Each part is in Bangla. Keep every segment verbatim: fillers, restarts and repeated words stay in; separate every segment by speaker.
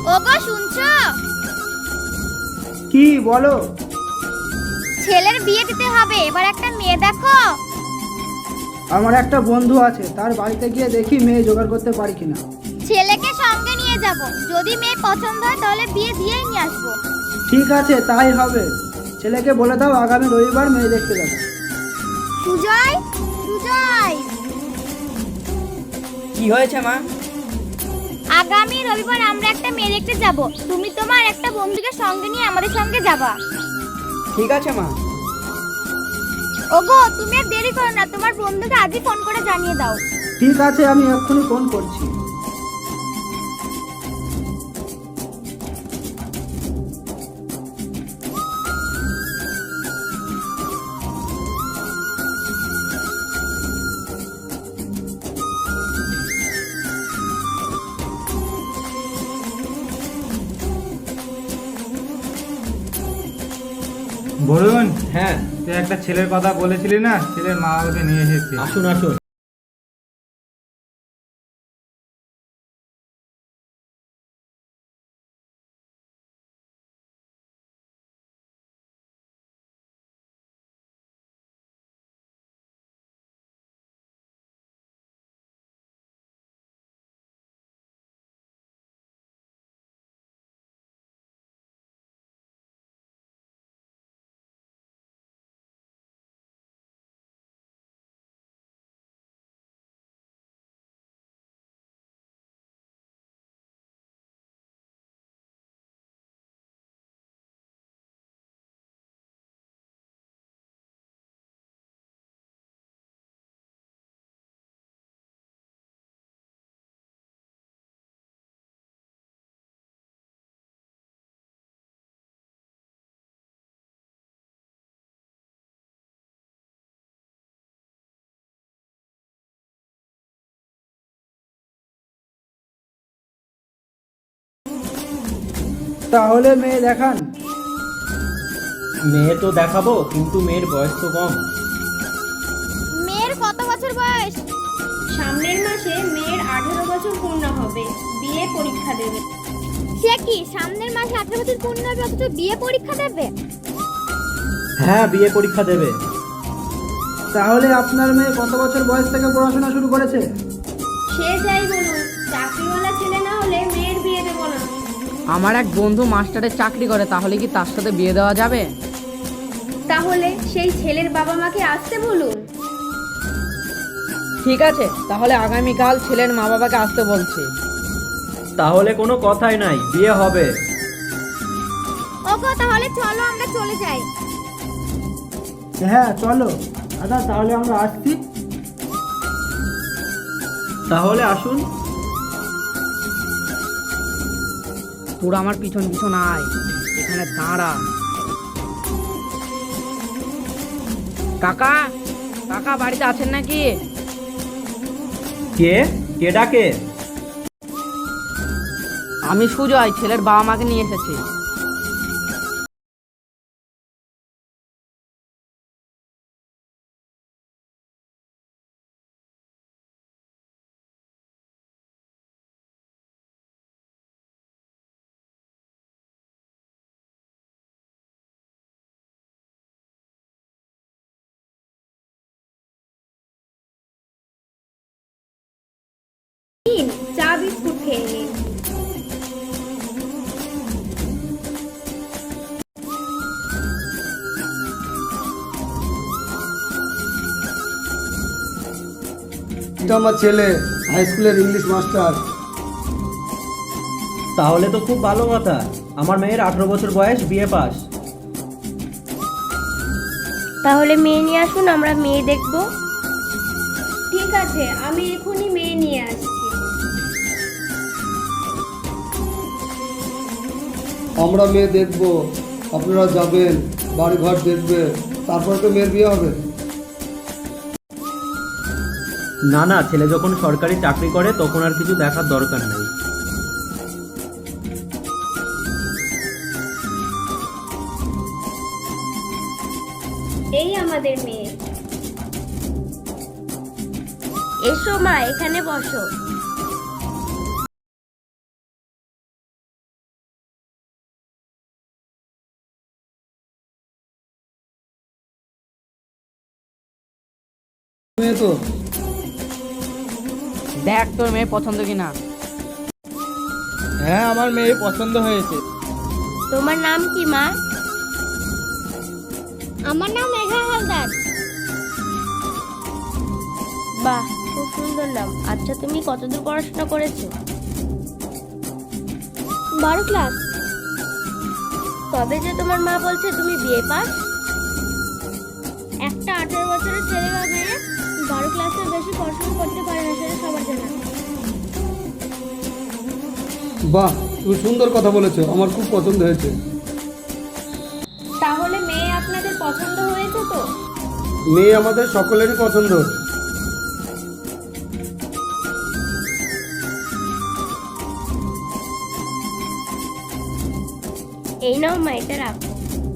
Speaker 1: ওগো শুনছো?
Speaker 2: কি বলো?
Speaker 1: ছেলের বিয়ে দিতে হবে, এবার একটা মেয়ে দেখো।
Speaker 2: আমার একটা বন্ধু আছে, তার বাড়িতে গিয়ে দেখি মেয়ে জোগাড় করতে পারি কিনা।
Speaker 1: ছেলেকে সঙ্গে নিয়ে যাব, যদি মেয়ে পছন্দ হয় তাহলে বিয়ে দিয়েই নিয়ে আসবো।
Speaker 2: ঠিক আছে, তাই হবে। ছেলেকে বলে দাও আগামী রবিবার মেয়ে দেখতে যাবে।
Speaker 1: সুজয়, সুজয়,
Speaker 3: কি হয়েছে মা?
Speaker 1: আগামী রবিবার আমরা একটা মেয়ে দেখতে যাব, তুমি তোমার একটা বন্ধুকে সঙ্গে নিয়ে আমাদের সঙ্গে যাবা।
Speaker 3: ঠিক আছে মা।
Speaker 1: ওগো তুমি আর দেরি করো না, তোমার বন্ধুকে আজই ফোন করে জানিয়ে দাও।
Speaker 2: ঠিক আছে, আমি এক্ষুনি ফোন করছি।
Speaker 4: বলুন।
Speaker 3: হ্যাঁ,
Speaker 4: তুই একটা ছেলের কথা বলেছিলি না, ছেলের মা বাবাকে নিয়ে এসেছি।
Speaker 3: আসুন আসুন।
Speaker 2: তাহলে মেয়ে দেখান।
Speaker 3: মেয়ে তো দেখাবো, কিন্তু মেয়ের বয়স তো কম।
Speaker 1: মেয়ের কত বছর বয়স?
Speaker 5: সামনের মাসে মেয়ের আঠারো বছর পূর্ণ হবে, বিয়ে পরীক্ষা দেবে।
Speaker 1: সে কি সামনের মাসে আঠারো বছর পূর্ণ হবে অথচ বিয়ে পরীক্ষা দেবে?
Speaker 3: হ্যাঁ, বিয়ে পরীক্ষা দেবে।
Speaker 2: তাহলে আপনার মেয়ে কত বছর বয়স থেকে পড়াশোনা শুরু করেছে?
Speaker 5: সে যাই বলুন, চাকরিওয়ালা ছেলে না হলে মেয়ের বিয়ে দেবো না।
Speaker 6: আমার এক বন্ধু মাস্টারের চাকরি করে, তাহলে কি তার সাথে বিয়ে দেওয়া যাবে?
Speaker 5: তাহলে সেই ছেলের বাবা মাকে আসতে বলুন।
Speaker 6: ঠিক আছে, তাহলে আগামীকাল ছেলের মা বাবাকে আসতে বলছি।
Speaker 3: তাহলে কোনো কথাই নাই, বিয়ে হবে।
Speaker 1: ওগো তাহলে চলো আমরা চলে যাই।
Speaker 2: হ্যাঁ চলো। দাদা তাহলে আমরা আসছি।
Speaker 3: তাহলে আসুন।
Speaker 6: তোরা আমার পিছন পিছন আয়, এখানে দাঁড়া। কাকা, কাকা বাড়িতে আছেন নাকি?
Speaker 3: কে কে ডাকে?
Speaker 6: আমি সুজয়, ছেলের বাবা মাকে নিয়ে এসেছি।
Speaker 5: নিন, চা বিস্কুট খেয়ে নিন।
Speaker 7: এটা আমার ছেলে, হাই স্কুলের ইংলিশ মাস্টার।
Speaker 3: তাহলে তো খুব ভালো কথা। আমার মেয়ের আঠারো বছর বয়স, বিয়ে পাস।
Speaker 5: তাহলে মেয়ে নিয়ে আসুন, আমরা মেয়ে দেখব। ঠিক আছে, আমি এখনই মেয়ে নিয়ে আসছি।
Speaker 7: আমরা মেয়ে দেখব, আপনারা যাবেন, বাড়িঘর দেখবে, তারপরে তো মেয়ের বিয়ে হবে।
Speaker 3: না না, ছেলে যখন সরকারি চাকরি করে তখন আর কিছু দেখার দরকার নেই।
Speaker 5: এই আমাদের মেয়ে। এসো মা, এখানে বসো।
Speaker 7: মেয়ে তো
Speaker 6: দেখ তোর মেয়ে পছন্দ কিনা।
Speaker 4: হ্যাঁ আমার মেয়ে পছন্দ হয়েছে।
Speaker 5: তোমার নাম কি মা?
Speaker 1: আমার নাম মেঘা হালদার।
Speaker 5: বাহ, খুব সুন্দর নাম। আচ্ছা, তুমি কতদূর পড়াশোনা করেছো?
Speaker 1: বারো ক্লাস।
Speaker 5: তবে যে তোমার মা বলছে তুমি বিয়ে পাস।
Speaker 1: একটা আঠারো বছরের ছেলে বা মেয়ে বারো ক্লাসের বেশি পড়াশোনা করতে পারে না, সেটা সবার জানা।
Speaker 7: বাহ, তুমি সুন্দর কথা বলেছো, আমার খুব পছন্দ হয়েছে।
Speaker 5: তাহলে মেয়ে আপনাদের পছন্দ হয়েছে তো?
Speaker 7: মেয়ে আমাদের সকলেরই পছন্দ।
Speaker 5: এই নাও মা, এটা রাখো।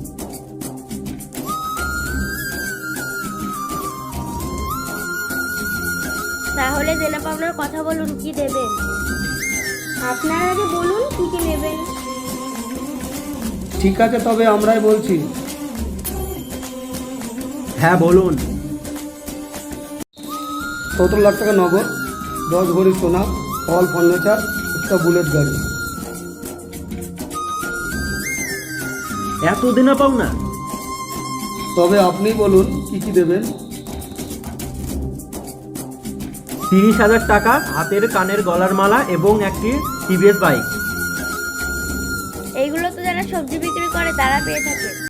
Speaker 5: তাহলে দেনা পাওনার কথা বলুন, কি দেবেন?
Speaker 1: আপনারা আগে বলুন কি কি নেবেন।
Speaker 7: ঠিক আছে, তবে আমরাই বলছি।
Speaker 3: হ্যাঁ বলুন।
Speaker 7: সতেরো লাখ টাকা নগদ, দশ ভরি সোনা, অল ফার্নিচার, একটা বুলেট গাড়ি।
Speaker 3: এত দেনা পাও না?
Speaker 7: তবে আপনি বলুন কি কি দেবেন।
Speaker 3: তিরিশ হাজার টাকা, হাতের কানের গলার মালা এবং একটি টিভিএস বাইক।
Speaker 5: এইগুলো তো যারা সবজি বিক্রি করে তারা পেয়ে থাকে।